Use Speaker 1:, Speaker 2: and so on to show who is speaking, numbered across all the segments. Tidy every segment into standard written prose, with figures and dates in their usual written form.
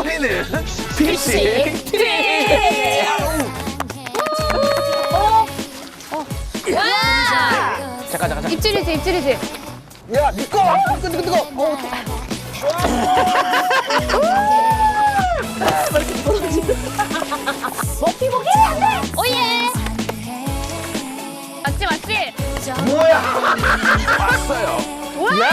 Speaker 1: 우리는 피싱 팀. 잠깐.
Speaker 2: 입질이지.
Speaker 3: 야, 니꺼! 뜨거!
Speaker 2: 먹기 안돼. 오예. 맞지.
Speaker 3: 뭐야?
Speaker 1: 왔어요.
Speaker 2: 뭐야?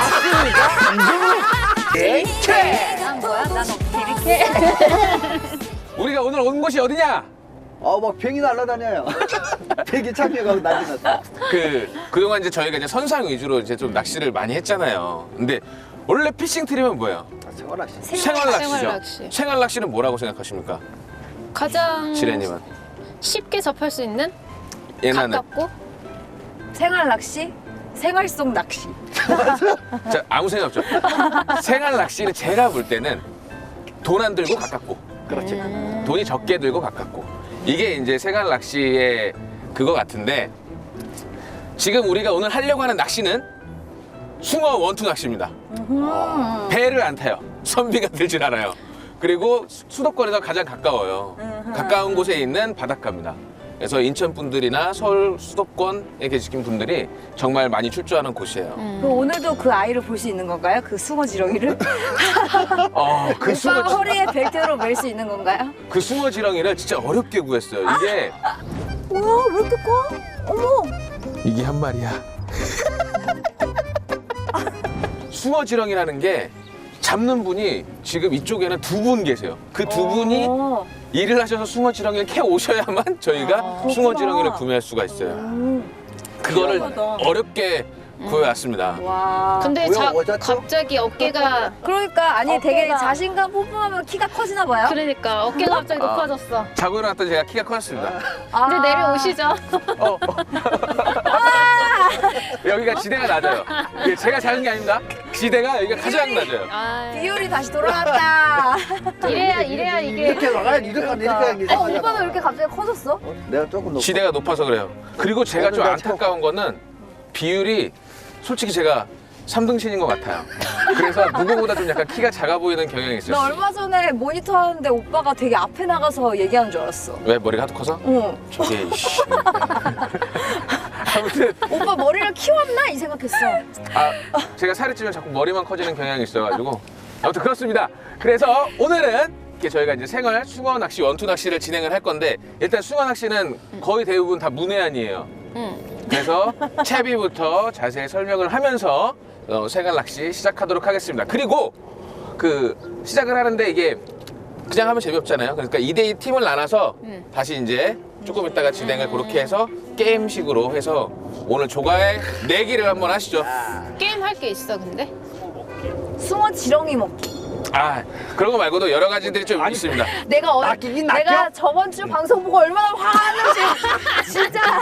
Speaker 1: 이렇게.
Speaker 2: 난 뭐야? 난 어떻게 이렇게?
Speaker 1: 우리가 오늘 온 곳이 어디냐?
Speaker 3: 막 병이 날아다녀요. 되게 창피하고 난리 났어.
Speaker 1: 그동안 이제 저희가 이제 선상 위주로 이제 좀 낚시를 많이 했잖아요. 근데 원래 피싱 트림은 뭐예요?
Speaker 3: 생활낚시.
Speaker 1: 생활 낚시죠.
Speaker 2: 낚시.
Speaker 1: 생활 낚시는 뭐라고 생각하십니까?
Speaker 2: 가장
Speaker 1: 지레님은
Speaker 2: 쉽게 접할 수 있는
Speaker 1: 예나는
Speaker 2: 가깝고
Speaker 4: 생활 낚시? 생활 속 낚시.
Speaker 1: 자, 아무 생각 없죠. 생활 낚시는 제가 볼 때는 돈 안 들고 가깝고,
Speaker 3: 그렇지.
Speaker 1: 돈이 적게 들고 가깝고, 이게 이제 생활 낚시의 그거 같은데, 지금 우리가 오늘 하려고 하는 낚시는 숭어 원투 낚시입니다. 배를 안 타요. 선비가 들질 않아요. 그리고 수도권에서 가장 가까워요. 가까운 곳에 있는 바닷가입니다. 그래서 인천 분들이나 서울 수도권에 계신 분들이 정말 많이 출조하는 곳이에요.
Speaker 4: 그 오늘도 그 아이를 볼 수 있는 건가요? 그 숭어 지렁이를?
Speaker 1: 그 숭어
Speaker 4: 오빠가 허리에 벨트로 멜 수 있는 건가요?
Speaker 1: 그 숭어 지렁이를 진짜 어렵게 구했어요. 이게
Speaker 4: 우와, 왜 이렇게 커? 어머!
Speaker 1: 이게 한 마리야. 숭어 지렁이라는 게 잡는 분이 지금 이쪽에는 두 분 계세요. 그 두 분이 일을 하셔서 숭어 지렁이를 캐 오셔야만 저희가 숭어 지렁이를 구매할 수가 있어요. 그거를 어렵게 구해왔습니다.
Speaker 4: 와.
Speaker 2: 근데
Speaker 3: 뭐야, 어졌죠?
Speaker 2: 갑자기 어깨가
Speaker 4: 그러니까 아니 되게
Speaker 2: 어깨가-
Speaker 4: 자신감 뿜뿜하면 키가 커지나 봐요?
Speaker 2: 그러니까 어깨가 갑자기 높아졌어.
Speaker 1: 자고 일어났더니 제가 키가 커졌습니다.
Speaker 2: 이제 내려오시죠.
Speaker 1: 여기가 지대가 낮아요. 이게 제가 작은 게 아닙니다. 지대가 여기가 가장 낮아요.
Speaker 2: 아,
Speaker 4: 비율이 다시 돌아왔다.
Speaker 2: 이래야 이게.
Speaker 3: 이렇게 나가야 이렇게 하는 게 이상하잖아.
Speaker 4: 오빠가 왜 이렇게 갑자기 커졌어?
Speaker 3: 내가 조금 높아.
Speaker 1: 지대가 높아서 그래요. 그리고 제가 좀
Speaker 3: 내가
Speaker 1: 안타까운 거는 비율이 솔직히 제가 3등신인 것 같아요. 그래서 누구보다 좀 약간 키가 작아 보이는 경향이
Speaker 4: 나
Speaker 1: 있어요.
Speaker 4: 얼마 전에 모니터 하는데 오빠가 되게 앞에 나가서 얘기하는 줄 알았어.
Speaker 1: 왜 머리가 하도 커서?
Speaker 4: 응.
Speaker 1: 저게 이씨. 아무튼
Speaker 4: 오빠 머리를 키웠나? 이 생각했어.
Speaker 1: 제가 살이 찌면 자꾸 머리만 커지는 경향이 있어가지고 아무튼 그렇습니다. 그래서 오늘은 이렇게 저희가 이제 생활 숭어 낚시 원투 낚시를 진행을 할 건데 일단 숭어 낚시는 거의 대부분 다 문해안이에요. 그래서 채비부터 자세히 설명을 하면서 생활 낚시 시작하도록 하겠습니다. 그리고 시작을 하는데 이게 그냥 하면 재미없잖아요. 그러니까 2대2 팀을 나눠서 다시 이제 조금 있다가 진행을 그렇게 해서 게임식으로 해서 오늘 조가의 내기를 한번 하시죠.
Speaker 2: 게임 할 게 있어 근데?
Speaker 4: 숭어 지렁이 먹기.
Speaker 1: 그런 거 말고도 여러 가지들이 좀 있습니다.
Speaker 4: 내가
Speaker 3: 낚이긴 낚여?
Speaker 4: 내가 저번 주 방송 보고 얼마나 화났는지 진짜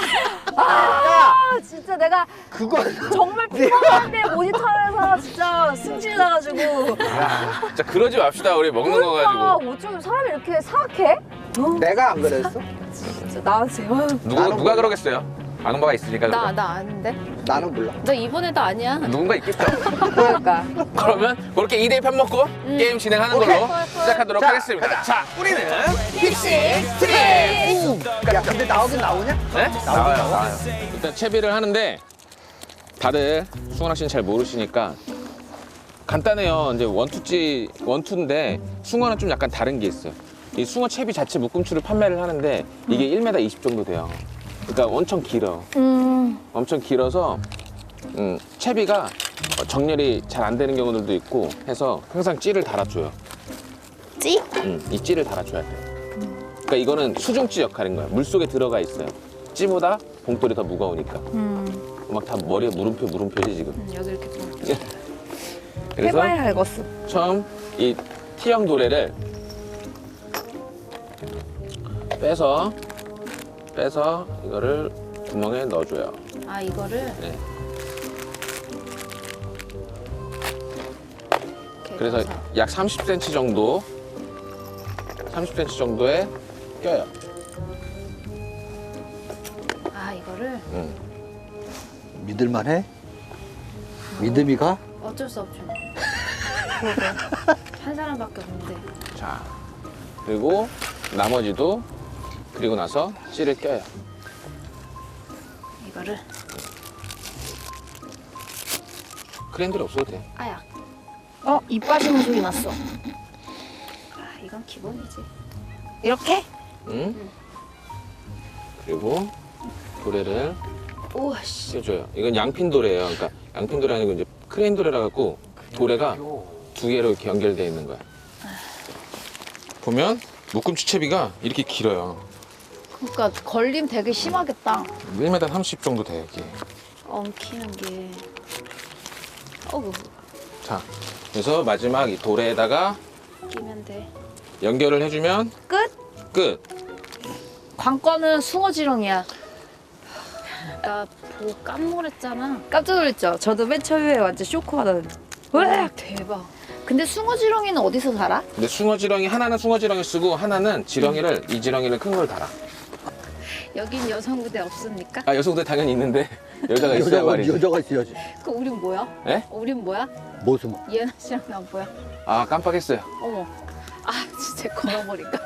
Speaker 4: 진짜 내가
Speaker 3: 그거
Speaker 4: 정말 피곤한데 모니터에서 진짜 승질 나가지고
Speaker 1: 자, 그러지 맙시다. 우리 먹는 거
Speaker 4: 오빠
Speaker 1: 가지고.
Speaker 4: 어쩜 사람이 이렇게 사악해?
Speaker 3: 내가 안 그랬어?
Speaker 4: 진짜 나으세요.
Speaker 1: 누가 그러겠어요? 아는 바가 있으니까.
Speaker 2: 나
Speaker 1: 그럼.
Speaker 2: 아는데?
Speaker 3: 나는 몰라.
Speaker 2: 나 이번에도 아니야.
Speaker 1: 누군가 있겠죠?
Speaker 4: 그러니까
Speaker 1: 그러면 그렇게 2대2 편 먹고 게임 진행하는 걸로 시작하도록 하겠습니다. 자, 우리는 픽싱 트림!
Speaker 3: 야, 근데 나오긴 나오냐?
Speaker 1: 네? 나와요. 일단 채비를 하는데 다들 숭어 낚시는 잘 모르시니까 간단해요. 이제 원투인데 숭어는 좀 약간 다른 게 있어요. 이 숭어 채비 자체 묶음추를 판매를 하는데 이게 1m 20 정도 돼요. 그러니까 엄청 길어. 엄청 길어서 채비가 정렬이 잘 안 되는 경우들도 있고 해서 항상 찌를 달아줘요.
Speaker 2: 찌?
Speaker 1: 이 찌를 달아줘야 돼. 그러니까 이거는 수중찌 역할인 거야. 물 속에 들어가 있어요. 찌보다 봉돌이 더 무거우니까. 막 다 머리에 물음표지 지금.
Speaker 2: 여기 이렇게 좀.
Speaker 1: 그래서
Speaker 4: 해봐야 알겠어.
Speaker 1: 처음 이 T형 도래를 빼서 이거를 구멍에 넣어줘요.
Speaker 2: 아 이거를?
Speaker 1: 네.
Speaker 2: 이렇게
Speaker 1: 그래서
Speaker 2: 넣어서.
Speaker 1: 약 30cm 정도에 껴요.
Speaker 2: 아 이거를?
Speaker 3: 믿을만해? 믿음이 가?
Speaker 2: 어쩔 수 없죠. 한 사람밖에 없는데.
Speaker 1: 자, 그리고 나머지도 그리고 나서 찌를 껴요.
Speaker 2: 이거를
Speaker 1: 크랜들이 없어도 돼.
Speaker 2: 아야.
Speaker 4: 입 빠지는 소리 났어.
Speaker 2: 아, 이건 기본이지.
Speaker 4: 이렇게?
Speaker 1: 응? 그리고 도래를
Speaker 2: 우와 씨.
Speaker 1: 껴줘요. 이건 양핀 도래예요. 그러니까 양핀 도래 아니고 이제 크레인 도래라 갖고 도래가 두 개로 이렇게 연결되어 있는 거야. 보면 묶음 주채비가 이렇게 길어요.
Speaker 4: 그러니까 걸림 되게 심하겠다.
Speaker 1: 1m 30 정도 돼요, 이게.
Speaker 2: 엉키는 게. 어우,
Speaker 1: 자, 그래서 마지막 이 도래에다가
Speaker 2: 끼면 돼.
Speaker 1: 연결을 해주면
Speaker 4: 끝?
Speaker 1: 끝.
Speaker 4: 관건은 숭어지렁이야.
Speaker 2: 나 보고 깜놀했잖아.
Speaker 4: 깜짝 놀랐죠? 저도 맨 처음에 완전 쇼크 받았는데. 왜?
Speaker 2: 대박.
Speaker 4: 근데 숭어지렁이는 어디서 살아?
Speaker 1: 근데 숭어지렁이 하나는 숭어지렁이 쓰고 하나는 지렁이를 이 지렁이를 큰 걸 달아.
Speaker 2: 여긴 여성 부대 없습니까?
Speaker 1: 아 여성들 당연히 있는데 여자가 있어야 말이지.
Speaker 3: 여자가 있어야지.
Speaker 2: 그 우린 뭐야?
Speaker 1: 예?
Speaker 2: 우린 뭐야?
Speaker 3: 뭐 숨어?
Speaker 2: 예나 씨랑 난 뭐야?
Speaker 1: 아 깜빡했어요.
Speaker 2: 어머. 아 진짜 걸어버릴까?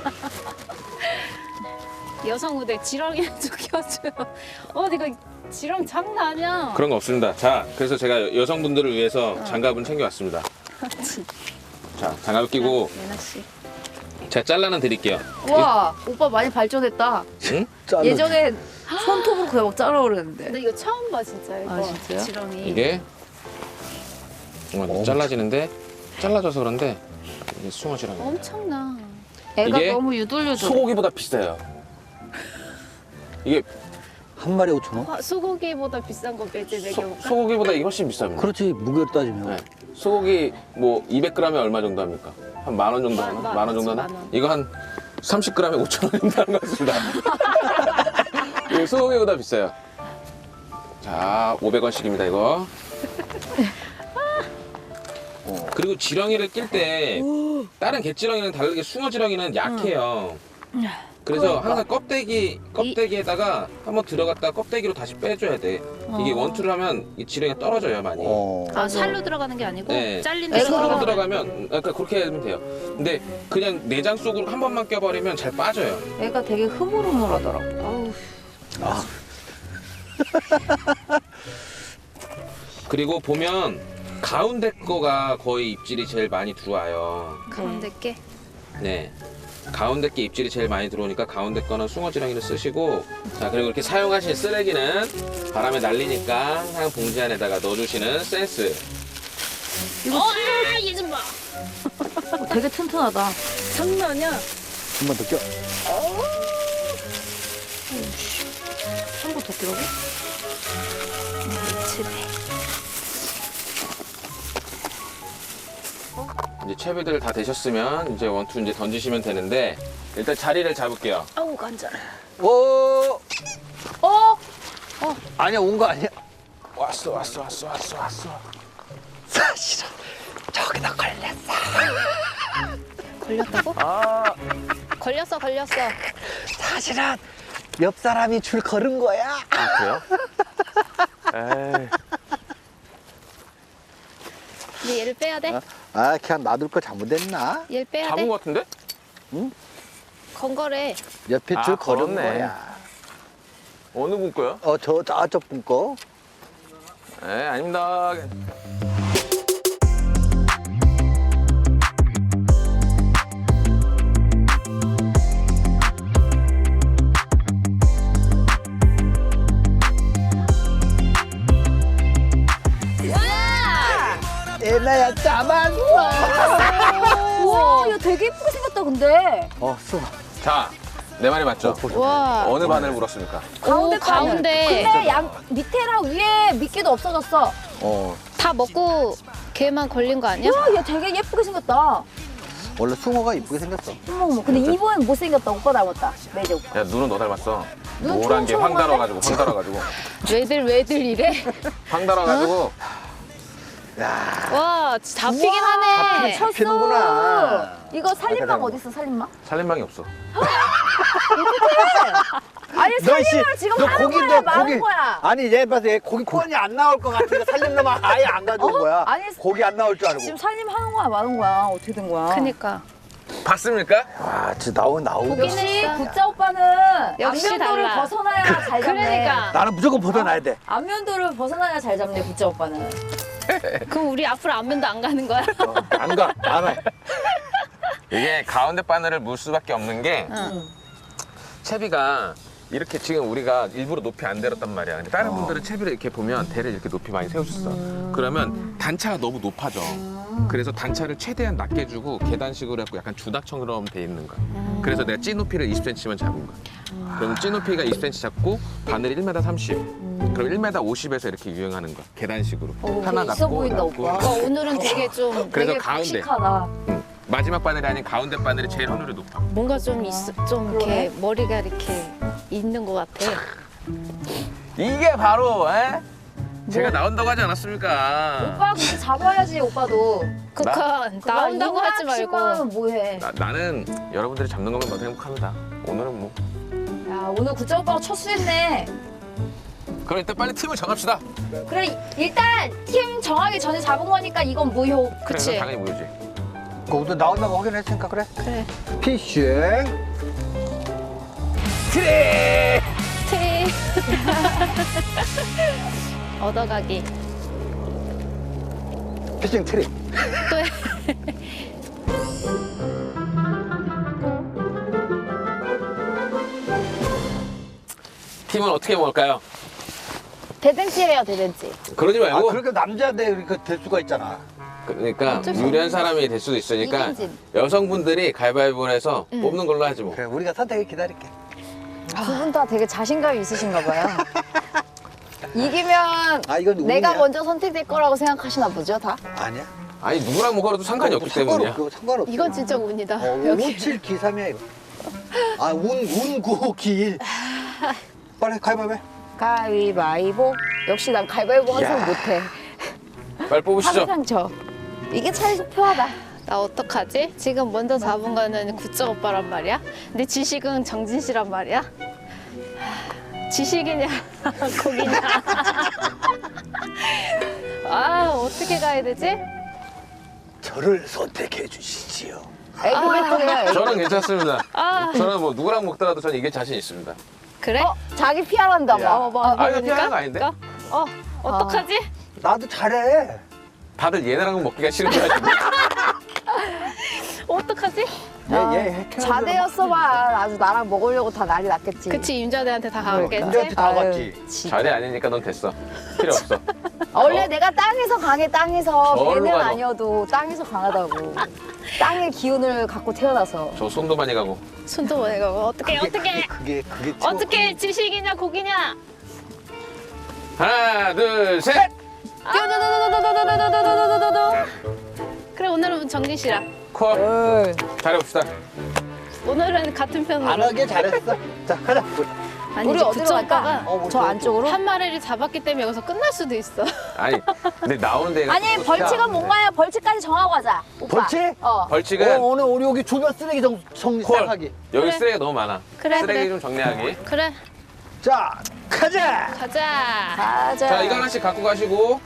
Speaker 2: 여성 부대 지렁이를 좀 켜줘요. 네가 지렁 장난 아니야.
Speaker 1: 그런 거 없습니다. 자, 그래서 제가 여성분들을 위해서 장갑은 챙겨왔습니다. 자, 장갑 끼고
Speaker 2: 예나 씨.
Speaker 1: 제가 잘라는 드릴게요.
Speaker 4: 와, 오빠 많이 발전했다.
Speaker 1: 응?
Speaker 4: 예전에 손톱으로 그냥 막 자르고 그랬는데.
Speaker 2: 근데 이거 처음 봐 진짜 이거.
Speaker 4: 아, 진짜요?
Speaker 2: 지렁이.
Speaker 1: 이게 잘라지는데 잘라져서 그런데 이게 숭어지렁이.
Speaker 2: 엄청나.
Speaker 4: 애가
Speaker 1: 이게
Speaker 4: 너무 유돌유돌.
Speaker 1: 소고기보다 비싸요. 이게
Speaker 3: 한 마리 5천 원?
Speaker 2: 소고기보다 비싼 거 매질 매겨볼까?
Speaker 1: 소고기보다 이게 훨씬 비쌉니다.
Speaker 3: 그렇지 무게로 따지면.
Speaker 1: 네. 소고기 뭐 200g에 얼마 정도 합니까? 한 10,000원 정도 하나?
Speaker 2: 만
Speaker 1: 10,000원 정도 하나?
Speaker 2: 만 원.
Speaker 1: 이거 한 30g에 5,000원 정도 하는 것 같습니다. 이거 소고기보다 비싸요. 자, 500원씩입니다, 이거. 그리고 지렁이를 낄 때 다른 개지렁이는 다르게 숭어지렁이는 약해요. 그래서 항상 껍데기에다가 한번 들어갔다 껍데기로 다시 빼줘야 돼. 이게 원투를 하면 이 지렁이가 떨어져요, 많이.
Speaker 2: 아 살로 들어가는 게 아니고
Speaker 1: 네.
Speaker 2: 잘린
Speaker 4: 애가
Speaker 2: 데로
Speaker 1: 속으로 들어가면 그러니까 그렇게 하면 돼요. 근데 그냥 내장 속으로 한 번만 껴버리면 잘 빠져요.
Speaker 4: 애가 되게 흐물흐물하더라고.
Speaker 2: 어우,
Speaker 1: 그리고 보면 가운데 거가 거의 입질이 제일 많이 들어와요.
Speaker 2: 가운데 게.
Speaker 1: 네. 가운데 게 입질이 제일 많이 들어오니까 가운데 거는 숭어지렁이를 쓰시고, 자, 그리고 이렇게 사용하신 쓰레기는 바람에 날리니까 항상 봉지 안에다가 넣어주시는 센스.
Speaker 2: 얘 좀 봐.
Speaker 4: 되게 튼튼하다.
Speaker 2: 장난 아니야.
Speaker 3: 한 번 더 껴.
Speaker 4: 한 번 더 끼라고?
Speaker 1: 이제 채비들 다 되셨으면 이제 원투 이제 던지시면 되는데 일단 자리를 잡을게요.
Speaker 2: 아우 간절.
Speaker 3: 오.
Speaker 4: 어?
Speaker 3: 아니야 온 거 아니야?
Speaker 1: 왔어.
Speaker 3: 사실은 저기다 걸렸어.
Speaker 2: 걸렸다고?
Speaker 3: 아
Speaker 2: 걸렸어.
Speaker 3: 사실은 옆 사람이 줄 걸은 거야.
Speaker 1: 아, 그래요? 에이.
Speaker 2: 근데 얘를 빼야 돼?
Speaker 3: 아 그냥 놔둘 거 잘못했나?
Speaker 2: 얘를 빼야
Speaker 1: 잡은
Speaker 2: 돼?
Speaker 1: 것 같은데?
Speaker 2: 건거래.
Speaker 3: 옆에
Speaker 1: 아,
Speaker 3: 줄 걸은
Speaker 1: 걸었네.
Speaker 3: 거야.
Speaker 1: 어느 분 거요?
Speaker 3: 저쪽 분 거.
Speaker 1: 네, 아닙니다.
Speaker 3: 애나야 잡았어.
Speaker 4: 우와, 이거 되게 예쁘게 생겼다, 근데.
Speaker 3: 써.
Speaker 1: 자, 내 말이 맞죠?
Speaker 2: 와.
Speaker 1: 어느 바늘 물었습니까?
Speaker 4: 가운데
Speaker 2: 가운데.
Speaker 4: 근데 밑에랑 위에 미끼도 없어졌어.
Speaker 2: 다 먹고 걔만 걸린 거 아니야?
Speaker 4: 와, 얘 되게 예쁘게 생겼다.
Speaker 3: 원래 숭어가 이쁘게 생겼어.
Speaker 4: 어머, 근데 입은 못생겼다. 오빠 닮았다. 매제 오빠.
Speaker 1: 야, 눈은 너 닮았어.
Speaker 4: 눈
Speaker 1: 노란 게
Speaker 4: 초롱초롱한데?
Speaker 1: 황 달아가지고.
Speaker 2: 왜들 이래?
Speaker 1: 황 달아가지고.
Speaker 3: 야
Speaker 2: 와 잡히긴 하네.
Speaker 4: 쳤어.
Speaker 3: 잡히는구나.
Speaker 4: 이거 살림망
Speaker 3: 닮아.
Speaker 4: 어딨어, 살림망?
Speaker 1: 살림방이 없어.
Speaker 4: 아니 살림을 지금 하는 거야 마는 거야.
Speaker 3: 아니 얘 봐서 얘 고기 뻔히 안 나올 것 같은데 살림놈아 아예 안 가져온 거야.
Speaker 4: 아니
Speaker 3: 고기 안 나올 줄 알고.
Speaker 4: 지금 살림 하는 거야 마는 거야. 어떻게 된 거야?
Speaker 2: 그니까.
Speaker 1: 봤습니까?
Speaker 3: 아, 진짜 나오고.
Speaker 4: 역시
Speaker 2: 있어.
Speaker 4: 구짜 오빠는
Speaker 2: 역시
Speaker 4: 안면도를
Speaker 2: 달라.
Speaker 4: 벗어나야 잘 잡네.
Speaker 2: 그러니까.
Speaker 3: 나는 무조건 벗어나야 돼.
Speaker 4: 안면도를 벗어나야 잘 잡네 구짜 오빠는.
Speaker 2: 그럼 우리 앞으로 안면도 안 가는 거야?
Speaker 3: 안 가. 안 와.
Speaker 1: 이게 가운데 바늘을 물 수밖에 없는 게
Speaker 2: 응.
Speaker 1: 채비가 이렇게 지금 우리가 일부러 높이 안 내렸단 말이야. 근데 다른 분들은 채비를 이렇게 보면 대를 이렇게 높이 많이 세우셨어. 그러면 단차가 너무 높아져. 그래서 단차를 최대한 낮게 주고 계단식으로 해갖고 약간 주닥처럼 돼 있는 거야. 그래서 내가 찌 높이를 20cm만 잡은 거야. 그럼 찌 높이가 20cm 잡고 바늘이 1m 30. 그럼 1m 50에서 이렇게 유행하는 거야. 계단식으로. 하나
Speaker 4: 되게 있어
Speaker 1: 낮고
Speaker 4: 보인다,
Speaker 1: 낮고.
Speaker 4: 오빠.
Speaker 2: 오늘은 되게 좀
Speaker 1: 그래서
Speaker 4: 되게
Speaker 1: 가운데.
Speaker 4: 씩씩하다.
Speaker 1: 마지막 바늘이 아닌 가운데 바늘이 제일 하늘이 높아.
Speaker 2: 뭔가 좀 좀 이렇게
Speaker 4: 그러네.
Speaker 2: 머리가 이렇게 있는 것 같아.
Speaker 1: 이게 바로 제가 나온다고 하지 않았습니까?
Speaker 4: 오빠 근데 잡아야지 오빠도.
Speaker 2: 그니까 나온다고 하지 말고.
Speaker 4: 치고는 뭐해?
Speaker 1: 나는 여러분들이 잡는 것만 봐도 행복합니다. 오늘은 뭐.
Speaker 4: 야 오늘 구짜 오빠가 첫 수했네.
Speaker 1: 그럼 일단 빨리 팀을 정합시다.
Speaker 4: 그래 일단 팀 정하기 전에 잡은 거니까 이건 무효.
Speaker 1: 그래,
Speaker 2: 그치.
Speaker 1: 그럼 당연히 모르지.
Speaker 3: 그것도 나온다고 확인했으니까 그래.
Speaker 2: 그래.
Speaker 3: 피싱.
Speaker 1: 트레!
Speaker 2: 티. 얻어가기.
Speaker 3: 피싱 트릭.
Speaker 2: 또 해.
Speaker 1: 팀은 어떻게 먹을까요?
Speaker 4: 대댄치래요 대댄치.
Speaker 1: 그러지
Speaker 3: 아,
Speaker 1: 말고.
Speaker 3: 그렇게 남자들 될 수가 있잖아.
Speaker 1: 그러니까
Speaker 2: 어쩔 수
Speaker 1: 유리한 사람이 될 수도 있으니까
Speaker 4: 이긴진.
Speaker 1: 여성분들이 가위바위보를 해서 뽑는 걸로 하지 뭐.
Speaker 3: 그래, 우리가 선택을 기다릴게.
Speaker 4: 두 분 다 되게 자신감이 있으신가 봐요. 이기면
Speaker 3: 아, 이건
Speaker 4: 내가
Speaker 3: 운이야.
Speaker 4: 먼저 선택될 거라고 생각하시나 보죠 다?
Speaker 3: 아니야.
Speaker 1: 아니 누구랑 먹어도 상관이 없기 때문이야.
Speaker 3: 상관없어.
Speaker 2: 이건 진짜 운이다. 여기.
Speaker 3: 57기삼이야 이거. 아, 운구길. 빨리 가위바위보.
Speaker 4: 가위바위보. 역시 난 가위바위보 항상
Speaker 3: 야.
Speaker 4: 못해.
Speaker 1: 빨리 뽑으시죠.
Speaker 4: 항상 져. 이게 참 표하다.
Speaker 2: 나 어떡하지? 지금 먼저 잡은 거는 구짜 오빠란 말이야? 근데 지식은 정진 씨란 말이야? 지식이냐 고기냐? 아 어떻게 가야 되지?
Speaker 3: 저를 선택해 주시지요.
Speaker 4: 애기배터리야.
Speaker 1: 저는 괜찮습니다.
Speaker 2: 아
Speaker 1: 저는 뭐 누구랑 먹더라도 저는 이게 자신 있습니다.
Speaker 2: 그래?
Speaker 4: 자기 피하란다
Speaker 3: 야.
Speaker 4: 막.
Speaker 2: 뭐
Speaker 1: 아, 이거 피하는 거 아닌데?
Speaker 2: 어떡하지?
Speaker 3: 나도 잘해.
Speaker 1: 다들 얘네랑 먹기가 싫은 거야 지금.
Speaker 2: 어떡하지?
Speaker 3: 얘 핵해.
Speaker 4: 자대였어 봐. 아주 나랑 먹으려고 다 난리 났겠지.
Speaker 2: 그치 임자대한테 다
Speaker 3: 남자한테
Speaker 2: 가겠지?
Speaker 3: 다
Speaker 4: 아유,
Speaker 3: 갔지.
Speaker 4: 진짜.
Speaker 1: 자리 아니니까 넌 됐어. 필요 없어.
Speaker 4: 원래 내가 땅에서 강해 땅에서
Speaker 1: 절로
Speaker 4: 배는
Speaker 1: 가서.
Speaker 4: 아니어도 땅에서 강하다고. 땅의 기운을 갖고 태어나서.
Speaker 1: 저 손도 많이 가고.
Speaker 2: 손도 못 해가고 어떡해
Speaker 3: 그게
Speaker 2: 어떻게 지식이냐 고기냐?
Speaker 1: 하나, 둘, 셋.
Speaker 2: 그래 오늘은 정진 씨랑
Speaker 1: 콜. 잘해봅시다.
Speaker 2: 오늘은 같은 편으로
Speaker 3: 안 하게 잘했어. 자, 가자.
Speaker 2: 아니,
Speaker 4: 우리
Speaker 2: 이제
Speaker 4: 어디로
Speaker 2: 구짜
Speaker 4: 갈까?
Speaker 2: 오빠가
Speaker 3: 뭐
Speaker 4: 저 안쪽으로?
Speaker 2: 한 마리를 잡았기 때문에 여기서 끝날 수도 있어.
Speaker 1: 아니, 근데 나오는 데가
Speaker 4: 아니
Speaker 1: 또
Speaker 4: 벌칙은
Speaker 1: 진짜-
Speaker 4: 뭔가요? 벌칙까지 정하고 하자. 오빠.
Speaker 3: 벌칙?
Speaker 1: 벌칙은
Speaker 3: 오늘 우리 여기 주변 쓰레기 정리
Speaker 1: 콜.
Speaker 3: 시작하기.
Speaker 1: 여기
Speaker 2: 그래.
Speaker 1: 쓰레기가 너무 많아.
Speaker 2: 그래,
Speaker 1: 쓰레기
Speaker 2: 그래.
Speaker 1: 좀 정리하기.
Speaker 2: 그래
Speaker 3: 자, 가자.
Speaker 2: 가자.
Speaker 4: 가자.
Speaker 1: 자, 이거 하나씩 갖고 가시고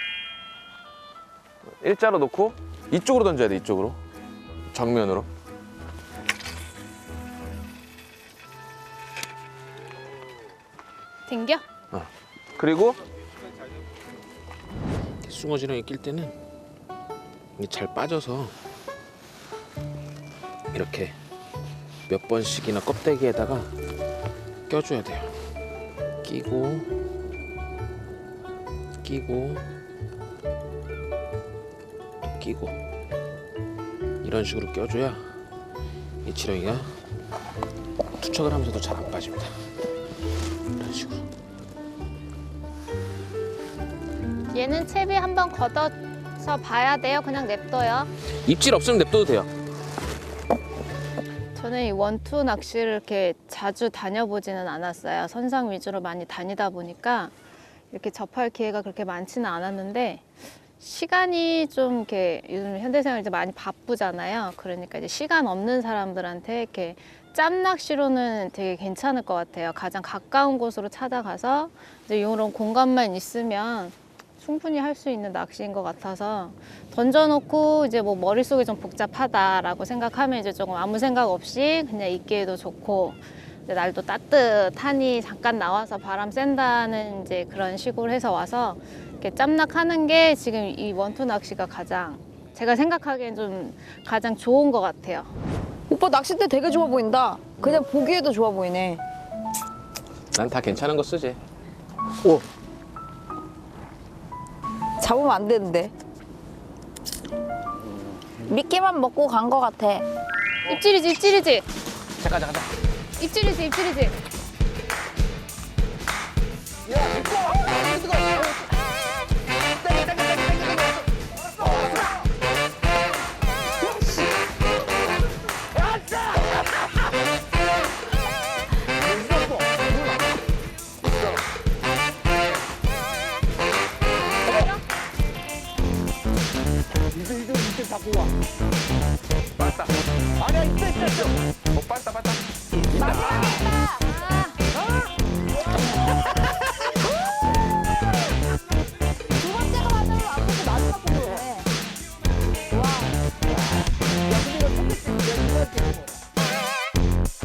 Speaker 1: 일자로 놓고 이쪽으로 던져야 돼. 이쪽으로. 정면으로.
Speaker 2: 댕겨?
Speaker 1: 그리고 숭어지렁이 낄 때는 이게 잘 빠져서 이렇게 몇 번씩이나 껍데기에다가 껴줘야 돼요. 끼고 끼고 끼고 이런 식으로 껴줘야 이 지렁이가 투척을 하면서도 잘 안 빠집니다. 이런 식으로.
Speaker 2: 얘는 채비 한번 걷어서 봐야 돼요. 그냥 냅둬요.
Speaker 1: 입질 없으면 냅둬도 돼요.
Speaker 2: 저는 이 원투 낚시를 이렇게 자주 다녀보지는 않았어요. 선상 위주로 많이 다니다 보니까 이렇게 접할 기회가 그렇게 많지는 않았는데 시간이 좀 이렇게 요즘 현대생활 이제 많이 바쁘잖아요. 그러니까 이제 시간 없는 사람들한테 이렇게 짬낚시로는 되게 괜찮을 것 같아요. 가장 가까운 곳으로 찾아가서 이제 이런 공간만 있으면 충분히 할 수 있는 낚시인 것 같아서 던져놓고 이제 뭐 머릿속이 좀 복잡하다라고 생각하면 이제 조금 아무 생각 없이 그냥 있기에도 좋고 이제 날도 따뜻하니 잠깐 나와서 바람 쐰다는 이제 그런 식으로 해서 와서 이렇게 짬낚하는 게 지금 이 원투 낚시가 가장 제가 생각하기엔 좀 가장 좋은 것 같아요.
Speaker 4: 오빠 낚싯대 되게 좋아 보인다. 그냥 보기에도 좋아 보이네.
Speaker 1: 난 다 괜찮은 거 쓰지.
Speaker 3: 오,
Speaker 4: 잡으면 안 되는데. 미끼만 먹고 간 거 같아.
Speaker 2: 입질이지, 입질이지,
Speaker 1: 잠깐.
Speaker 2: 입질이지, 입질이지.
Speaker 3: 이제 잡고 와.
Speaker 1: 빠따.
Speaker 3: 아니야, 있어.
Speaker 1: 빠따.
Speaker 4: 두 번째가 맞아요. 안 보고 마지막 보고 그래. 와.
Speaker 3: 야, 근데 이거 초록색 내가 찍은 거야.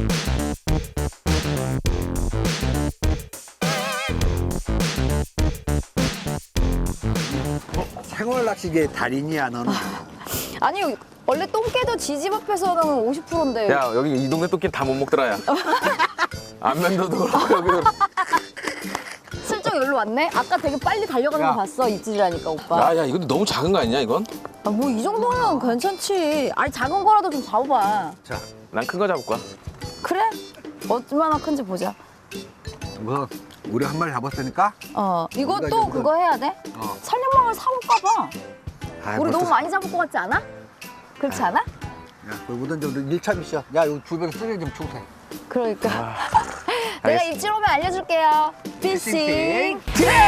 Speaker 3: 생활 낚시계 달인이야, 너는.
Speaker 4: 아니 원래 똥개도 지집 앞에서는 50%인데.
Speaker 1: 야, 여기 이 동네 토끼 다 못 먹더라, 야. 안면도도 그렇고, 여기도.
Speaker 4: 슬쩍 여기로 왔네? 아까 되게 빨리 달려가는
Speaker 3: 야.
Speaker 4: 거 봤어, 입질이라니까 오빠.
Speaker 1: 야, 이건 너무 작은 거 아니냐, 이건?
Speaker 4: 아, 뭐 이 정도면 괜찮지. 아니 작은 거라도 좀 잡아봐.
Speaker 3: 자,
Speaker 1: 난 큰 거 잡을 거야.
Speaker 4: 그래? 얼마나 큰지 보자.
Speaker 3: 뭐, 우리 한 마리 잡았으니까?
Speaker 4: 이것도
Speaker 3: 이거.
Speaker 4: 그거 해야 돼?
Speaker 3: 어.
Speaker 4: 살려망을 사올까 봐.
Speaker 3: 아,
Speaker 4: 우리
Speaker 3: 벌써-
Speaker 4: 너무 많이 잡을 것 같지 않아? 그렇지 않아?
Speaker 3: 야, 그거보단 좀 1차 미션. 야, 이 주변에 쓰레기 좀 청소해.
Speaker 4: 그러니까. 내가
Speaker 1: 알겠어.
Speaker 4: 입질 오면 알려줄게요. 피싱.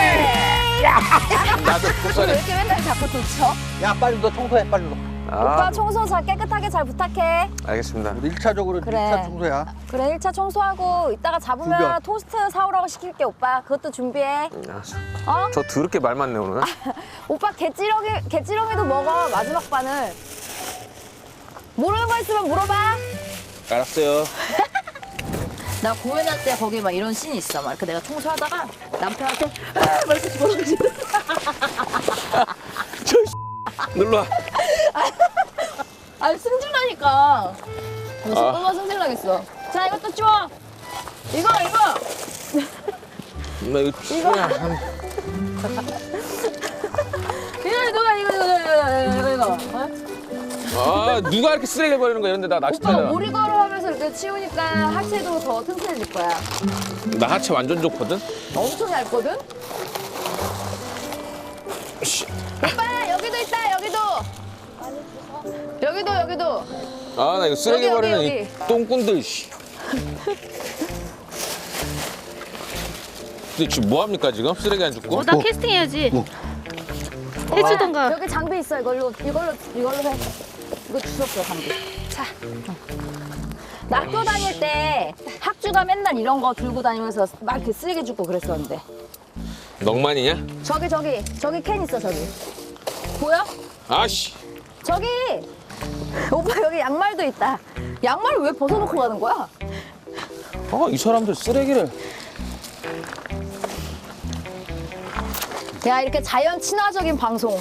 Speaker 1: 나도
Speaker 4: 왜
Speaker 1: 국산에.
Speaker 4: 이렇게 맨날 자꾸 도쳐?
Speaker 3: 야, 빨리 너 청소해, 빨리 너.
Speaker 4: 오빠 청소 잘 깨끗하게 잘 부탁해.
Speaker 1: 알겠습니다.
Speaker 3: 우리 1차적으로
Speaker 4: 그래.
Speaker 3: 1차 청소야.
Speaker 4: 그래 1차 청소하고 이따가 잡으면
Speaker 3: 구경.
Speaker 4: 토스트 사오라고 시킬게 오빠. 그것도 준비해.
Speaker 1: 알았어.
Speaker 4: 어?
Speaker 1: 저 더럽게 말 많네, 오늘.
Speaker 4: 오빠 개찌렁이도 먹어. 마지막 반을. 모르는 거 있으면 물어봐.
Speaker 1: 알았어요.
Speaker 4: 나 공연할 때 거기 막 이런 씬이 있어. 막 이렇게 내가 청소하다가 남편한테 막 이렇게 집어던지는.
Speaker 1: 눌러.
Speaker 4: 아니 승질나니까. 얼마나 승질나겠어. 자 이것도 줘. 이거.
Speaker 1: 나 이거 추야.
Speaker 4: 이거. 어?
Speaker 1: 아, 누가 이렇게 쓰레기 버리는 거야, 이런데 나 낚시
Speaker 4: 오빠가
Speaker 1: 타잖아.
Speaker 4: 오리가루 하면서 이렇게 치우니까 하체도 더 튼튼해질 거야.
Speaker 1: 나 하체 완전 좋거든?
Speaker 4: 엄청 얇거든? 오빠 여기도 있다 여기도. 여기도.
Speaker 1: 아, 나 이거 쓰레기
Speaker 4: 여기,
Speaker 1: 버리는
Speaker 4: 여기.
Speaker 1: 이 똥꾼들, 씨. 근데 지금 뭐 합니까, 지금? 쓰레기 안 줍고?
Speaker 2: 나 캐스팅 해야지. 해주던가.
Speaker 4: 여기 장비 있어 이걸로 해. 이거 주웠어 장비. 자. 나 학교 다닐 때 학주가 맨날 이런 거 들고 다니면서 막 이렇게 쓰레기 줍고 그랬었는데.
Speaker 1: 넉만이냐?
Speaker 4: 저기 캔 있어 저기. 보여?
Speaker 1: 아씨.
Speaker 4: 저기. 오빠 여기 양말도 있다. 양말을 왜 벗어놓고 가는 거야?
Speaker 1: 아, 이 사람들 쓰레기를.
Speaker 4: 야 이렇게 자연 친화적인 방송.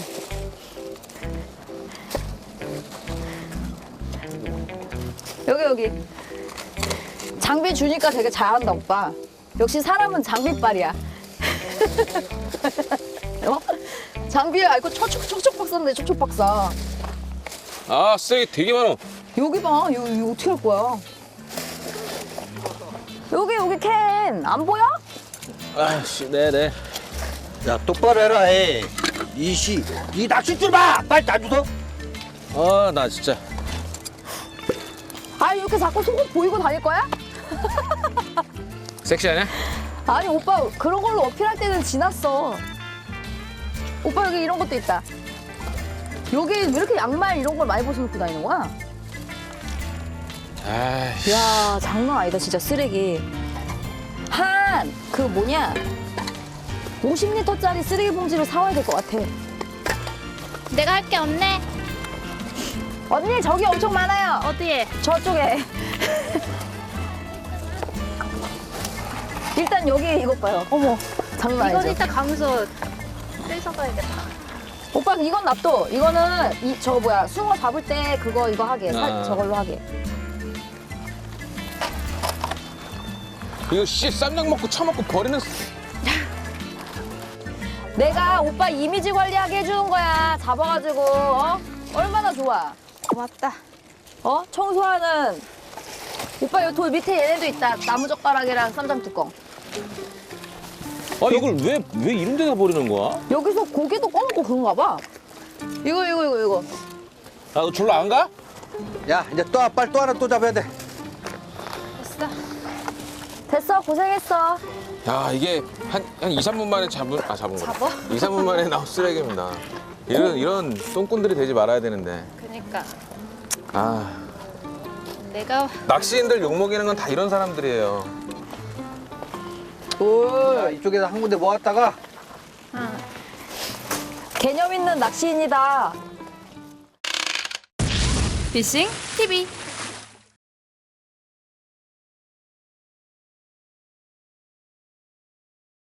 Speaker 4: 여기 장비 주니까 되게 잘한다 오빠. 역시 사람은 장비빨이야. 어? 장비에 아이고 촉촉 박사인데 촉촉 박사.
Speaker 1: 아, 쓰레기 되게 많아.
Speaker 4: 여기 봐. 여기 어떻게 할 거야? 여기 캔 안 보여?
Speaker 1: 아씨, 네네.
Speaker 3: 야, 똑바로 해라, 해. 이 낚싯줄 봐! 빨리 놔주소.
Speaker 1: 아, 나 진짜.
Speaker 4: 아 이렇게 자꾸 속옷 보이고 다닐 거야?
Speaker 1: 섹시하냐?
Speaker 4: 아니 오빠 그런 걸로 어필할 때는 지났어. 오빠 여기 이런 것도 있다. 여기 왜 이렇게 양말 이런 걸 많이 벗어놓고 다니는 거야?
Speaker 1: 아이씨.
Speaker 4: 야, 장난 아니다, 진짜 쓰레기. 한, 그 뭐냐. 50리터짜리 쓰레기 봉지를 사와야 될 것 같아.
Speaker 2: 내가 할 게 없네.
Speaker 4: 언니, 저기 엄청 많아요.
Speaker 2: 어디에?
Speaker 4: 저쪽에. 일단 여기 이것 봐요. 어머, 장난
Speaker 2: 이건
Speaker 4: 아니죠?
Speaker 2: 이따 가면서 뺏어가야겠다.
Speaker 4: 오빠 이건 놔둬. 이거는 저 뭐야 숭어 잡을 때 그거 이거 하게.
Speaker 1: 아.
Speaker 4: 저걸로 하게.
Speaker 1: 이거 씨 쌈장 먹고 처먹고 버리는.
Speaker 4: 내가 오빠 이미지 관리하게 해주는 거야. 잡아가지고 얼마나 좋아.
Speaker 2: 고맙다.
Speaker 4: 청소하는 오빠 요 돌 밑에 얘네도 있다. 나무 젓가락이랑 쌈장 뚜껑.
Speaker 1: 아 이걸 왜 이런 데다 버리는 거야?
Speaker 4: 여기서 고기도 꺼먹고 그런가 봐. 이거.
Speaker 1: 아 너 졸라 안 가?
Speaker 3: 야, 이제 빨리 또 하나 또 잡아야 돼.
Speaker 2: 됐어.
Speaker 4: 됐어, 고생했어.
Speaker 1: 야 이게 한 2, 3분 만에 잡은 거.
Speaker 2: 잡아?
Speaker 1: 2, 3분 만에 나온 쓰레기입니다. 이런 똥꾼들이 되지 말아야 되는데.
Speaker 2: 그니까
Speaker 1: 아
Speaker 2: 내가
Speaker 1: 낚시인들 욕먹이는 건 다 이런 사람들이에요.
Speaker 3: 자, 이쪽에서 한 군데 모았다가
Speaker 4: 개념 있는 낚시인이다.
Speaker 5: 피싱 TV